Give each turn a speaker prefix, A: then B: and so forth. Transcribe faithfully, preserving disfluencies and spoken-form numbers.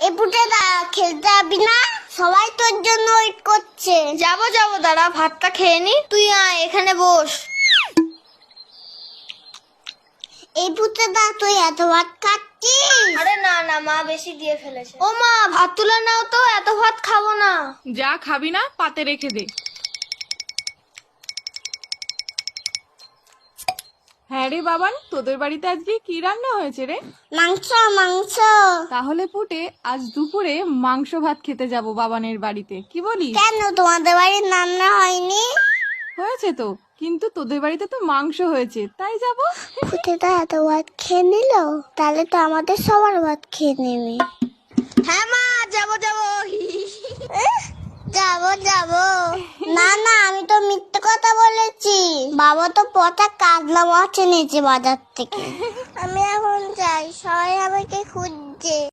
A: এই পুটেদা খেলতে যাবি না? সবাই তোর জন্য ওয়েট করছে।
B: যাবো যাবো, দাঁড়া ভাতটা খেয়ে নি। তুই আয় এখানে বস।
A: এই পুটেদা তুই এত ভাত খাচ্ছিস?
B: আরে না না, মা বেশি দিয়ে ফেলেছে। ও মা, ভাত তুলে নাও তো, এত ভাত খাবো না।
C: যা খাবি না পাতে রেখে দে। হ্যাঁ রে বাবান, তোদের বাড়িতে আজকে কি রান্না হয়েছে রে?
A: মাংস মাংস।
C: তাহলে পুটে আজ দুপুরে মাংস ভাত খেতে যাব বাবানের বাড়িতে, কি বলিস?
A: কেন তোমাদের বাড়ির রান্না হয়নি?
C: হয়েছে তো, কিন্তু তোদের বাড়িতে তো মাংস হয়েছে, তাই যাব।
A: পুটেদা এত ভাত খেয়ে নিল, তাহলে তো আমাদের সবার ভাত খেয়ে নেবে।
B: হ্যাঁ মা, যাবো যাবো।
A: যাবো যাবো। না না, আমি তো মিথ্যে কথা বলেছি। বাবা তো পচা কাজলা মাছ এনেছে বাজার থেকে। আমি এখন যাই, সবাই আমাকে খুঁজছে।